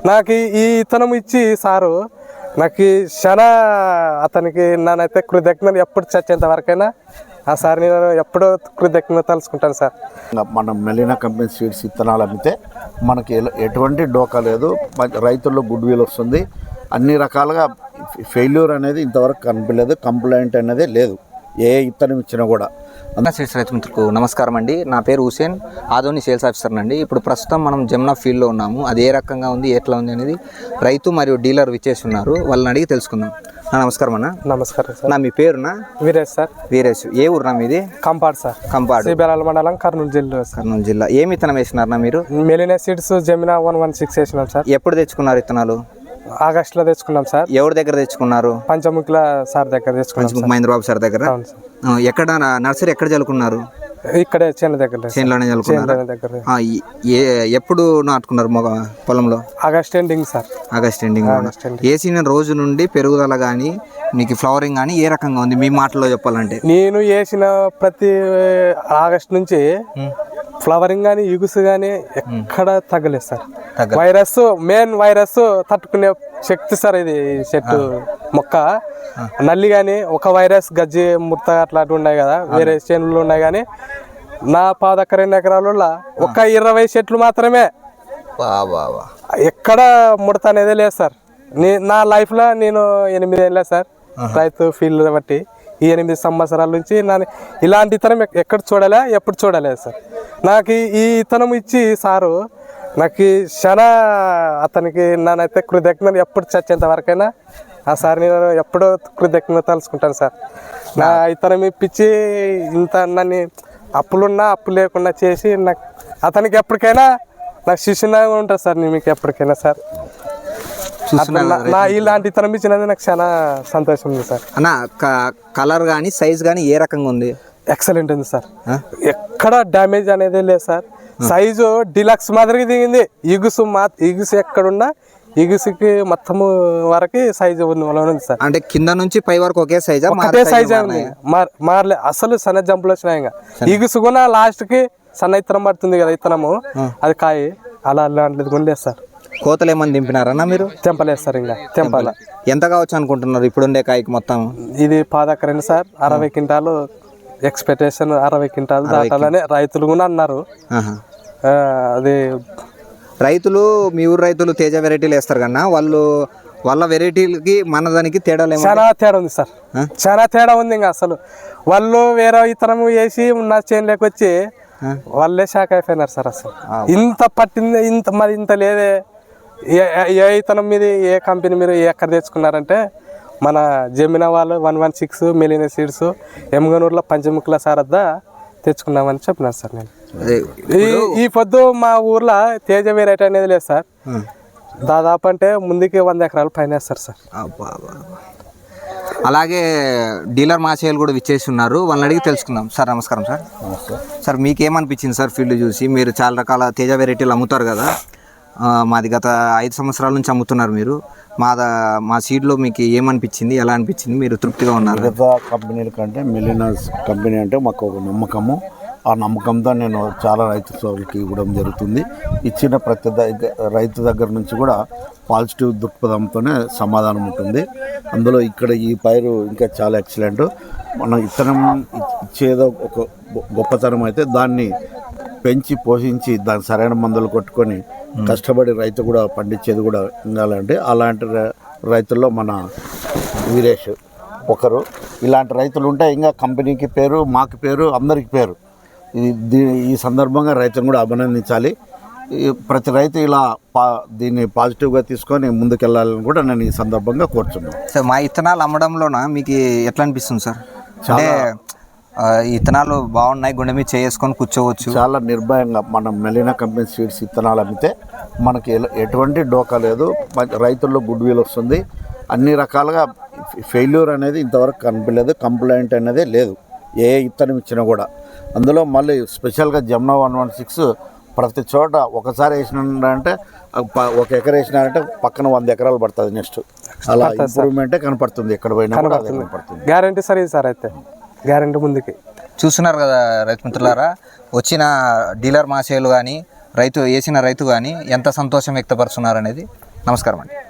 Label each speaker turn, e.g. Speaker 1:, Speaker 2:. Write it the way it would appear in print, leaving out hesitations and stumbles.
Speaker 1: నాకు ఈ ఇతనం ఇచ్చి సారు నాకు చాలా అతనికి నానైతే కృతజ్ఞతలు ఎప్పుడు చచ్చేంత వరకైనా ఆ సార్ నేను ఎప్పుడో కృతజ్ఞత తలుచుకుంటాను సార్.
Speaker 2: మనం మెలీనా కంపెనీ సీడ్స్ విత్తనాలు అమ్మితే మనకి ఎటువంటి డోకా లేదు, రైతుల్లో గుడ్ విల్ వస్తుంది, అన్ని రకాలుగా ఫెయిల్యూర్ అనేది ఇంతవరకు కనిపించలేదు, కంప్లైంట్ అనేది లేదు ఏ ఇత్తనం ఇచ్చినా కూడా.
Speaker 3: సీడ్స్ రైతు మిత్రులకు నమస్కారం అండి. నా పేరు హుసేన్, ఆదోని సేల్స్ ఆఫీసర్ అండి. ఇప్పుడు ప్రస్తుతం మనం జమునా ఫీల్డ్లో ఉన్నాము. అది ఏ రకంగా ఉంది, ఎట్లా ఉంది అనేది రైతు మరియు డీలర్ విచ్చేసి ఉన్నారు, వాళ్ళని అడిగి తెలుసుకుందాం. నమస్కారం అన్న.
Speaker 1: నమస్కారం సార్.
Speaker 3: నా మీ పేరునా?
Speaker 1: వీరేష్ సార్.
Speaker 3: వీరేష్. ఏ ఊరునా మీది?
Speaker 1: కంపాడ్ సార్.
Speaker 3: కంపాడ్,
Speaker 1: సిబిరాల మండలం, కర్నూలు జిల్లా.
Speaker 3: కర్నూలు జిల్లా. ఏమి విత్తనం వేసినారన్నా మీరు?
Speaker 1: మెలీనా సీడ్స్ జమునా 116 వేసినాం సార్.
Speaker 3: ఎప్పుడు తెచ్చుకున్నారు విత్తనాలు?
Speaker 1: ఆగస్టులో తెచ్చుకున్నాం సార్.
Speaker 3: ఎవరి దగ్గర తెచ్చుకున్నారు?
Speaker 1: పంచముఖిల సార్ దగ్గర తెచ్చుకున్నాం.
Speaker 3: మహేంద్ర బాబు సార్ దగ్గర. ఎక్కడ నర్సరీ ఎక్కడ చల్లుకున్నారు?
Speaker 1: ఇక్కడే చేను దగ్గర.
Speaker 3: చేనులోనే చల్లుకున్నారు. ఎప్పుడు నాటుకున్నారు పొలంలో?
Speaker 1: August ending sir.
Speaker 3: August ending. వేసిన రోజు నుండి పెరుగుదల కానీ మీకు ఫ్లవరింగ్ కానీ ఏ రకంగా ఉంది మీ మాటల్లో చెప్పాలంటే?
Speaker 1: నేను వేసిన ప్రతి ఆగస్ట్ నుంచి ఫ్లవరింగ్ కానీ ఇగుసు కానీ ఎక్కడ తగ్గలేదు సార్. వైరస్ మెయిన్ వైరస్ తట్టుకునే శక్తి సార్ ఇది చెట్టు మొక్క. నల్లి కానీ ఒక వైరస్ గజ్జి ముడత అట్లాంటి ఉన్నాయి కదా, వేరే చేనులు ఉన్నాయి కానీ నా 2 ఎకరాలలో ఒక 20 చెట్లు మాత్రమే ఎక్కడ ముడత అనేది లేదు సార్. నా లైఫ్లో నేను 8 ఏళ్ళ సార్ రైతు ఫీల్డ్ బట్టి. ఈ 8 సంవత్సరాల నుంచి ఇలాంటి ఇతనం ఎక్కడ చూడలే, ఎప్పుడు చూడలేదు సార్. నాకు ఈ ఇతనం ఇచ్చి సారు నాకు చాలా అతనికి నానైతే కృతజ్ఞతలు ఎప్పుడు చచ్చేంత వరకైనా ఆ సార్ నేను ఎప్పుడో కృతజ్ఞత తలుచుకుంటాను సార్. నా ఇతనం ఇప్పించి ఇంత నన్ను అప్పులున్నా అప్పు లేకుండా చేసి నాకు అతనికి ఎప్పటికైనా నాకు శిష్యులాగా ఉంటుంది సార్. నేను మీకు ఎప్పటికైనా సార్ నా ఇలాంటి ఇతనం ఇచ్చినది నాకు చాలా సంతోషం ఉంది సార్.
Speaker 3: అన్న కలర్ కానీ సైజ్ కానీ ఏ రకంగా ఉంది?
Speaker 1: ఎక్సలెంట్ ఉంది సార్. ఎక్కడ డ్యామేజ్ అనేది లేదు సార్. సైజు డిలక్స్ మాదిరిగా దిగింది. ఇగుసు ఎక్కడున్నా ఇగుసుకి మొత్తం వరకు సైజు ఉంది సార్.
Speaker 3: అంటే కింద నుంచి పై వరకు ఒకే సైజ్?
Speaker 1: ఒకటే సైజ్ ఉంది, మారలే అసలు. సన్న జంపులు వచ్చినాయి. ఇంకా ఇగుసు కూడా లాస్ట్ కి సన్న ఇత్తనం పడుతుంది కదా, ఇత్తనము అది కాయ అలా అలాంటిది కూడా లేదు సార్.
Speaker 3: కోతలు ఏమన్నా దింపినారన్నా మీరు?
Speaker 1: తెంపలేదు సార్. ఇంకా తెంపాల.
Speaker 3: ఎంత కావచ్చు అనుకుంటున్నారు ఇప్పుడుండే కాయకి మొత్తం?
Speaker 1: ఇది 10 ఎకరాలు సార్. 60 quintal expectation. 60 క్వింటాలు దాటాలని రైతులు కూడా అన్నారు. అది
Speaker 3: రైతులు మీ ఊరు రైతులు తేజ వెరైటీలు వేస్తారు కన్నా వాళ్ళ వెరైటీలకి మన దానికి తేడా
Speaker 1: చాలా తేడా ఉంది సార్. చాలా తేడా ఉంది. ఇంకా అసలు వాళ్ళు వేరే ఇతరం వేసి నా చేనులోకి వచ్చి వాళ్ళే షాక్ అయిపోయినారు సార్. అసలు ఇంత పట్టింది, ఇంత లేదే. ఏ ఇతనం మీద ఏ కంపెనీ మీరు ఎక్కడ తెచ్చుకున్నారంటే మన జమునా వాళ్ళు 116 మెలీనా సీడ్స్ ఎమ్గనూరులో పంచముఖిల సారద్దా తెచ్చుకున్నామని చెప్పినారు సార్. నేను ఈ పొద్దు మా ఊర్లో తేజ వెరైటీ అనేది లేదు సార్. దాదాపు అంటే ముందుకి 100 ఎకరాలు పైన వేస్తారు సార్.
Speaker 3: అలాగే డీలర్ మాసేలు కూడా విచ్చేసి ఉన్నారు, వాళ్ళని అడిగి తెలుసుకుందాం. సార్ నమస్కారం సార్. సార్ మీకు ఏమనిపించింది సార్ ఫీల్డ్ చూసి? మీరు చాలా రకాల తేజ వెరైటీలు అమ్ముతారు కదా, మాది గత 5 సంవత్సరాల నుంచి అమ్ముతున్నారు మీరు. మా సీడ్లో మీకు ఏమనిపించింది, ఎలా అనిపించింది, మీరు తృప్తిగా ఉన్నారు?
Speaker 2: మిగతా కంపెనీల కంటే మెలీనా కంపెనీ అంటే మాకు ఒక నమ్మకము. ఆ నమ్మకంతో నేను చాలా రైతు సోదరులకి ఇవ్వడం జరుగుతుంది. ఇచ్చిన ప్రతి రైతు దగ్గర నుంచి కూడా పాజిటివ్ దృక్పథంతోనే సమాధానం ఉంటుంది. అందులో ఇక్కడ ఈ పైరు ఇంకా చాలా ఎక్సలెంట్. మనం ఇత్తనం ఇచ్చేదో ఒక గొప్పతనం అయితే దాన్ని పెంచి పోషించి దాని సరైన మందులు కొట్టుకొని కష్టపడి రైతు కూడా పండించేది కూడా ఉండాలంటే అలాంటి రైతుల్లో మన వీరేష్ ఒకరు. ఇలాంటి రైతులు ఉంటే ఇంకా కంపెనీకి పేరు, మాకు పేరు, అందరికి పేరు. ఈ సందర్భంగా రైతును కూడా అభినందించాలి. ప్రతి రైతు ఇలా దీన్ని పాజిటివ్గా తీసుకొని ముందుకెళ్ళాలని కూడా నేను ఈ సందర్భంగా కోరుతున్నాను.
Speaker 3: సార్ మా ఇత్తనాలు అమ్మడంలోన మీకు ఎట్లా అనిపిస్తుంది సార్? అంటే ఇత్తనాలు బాగున్నాయి, గుండె మీద చేసుకొని కూర్చోవచ్చు.
Speaker 2: చాలా నిర్భయంగా మనం మెలీనా కంపెనీ సీడ్స్ విత్తనాలు అమ్మితే మనకి ఎటువంటి డోకా లేదు, రైతుల్లో గుడ్ విల్ వస్తుంది, అన్ని రకాలుగా ఫెయిల్యూర్ అనేది ఇంతవరకు కనిపించలేదు, కంప్లైంట్ అనేది లేదు ఏ ఇత్తనం ఇచ్చినా కూడా. అందులో మళ్ళీ స్పెషల్గా జమునా 116 ప్రతి చోట ఒకసారి వేసినారంటే 1 ఎకరా వేసినారంటే పక్కన 100 ఎకరాలు పడుతుంది. నెక్స్ట్ అలా ఇంప్రూవ్మెంటే కనపడుతుంది ఎక్కడ పోయినా కనపడుతుంది.
Speaker 1: గ్యారంటీ సార్ ఇది సార్. అయితే గ్యారంటీ ముందుకి
Speaker 3: చూస్తున్నారు కదా రైతు మిత్రులారా, వచ్చిన డీలర్ మాసేలు కానీ రైతు వేసిన రైతు కానీ ఎంత సంతోషం వ్యక్తపరుస్తున్నారు అనేది నమస్కారం అండి.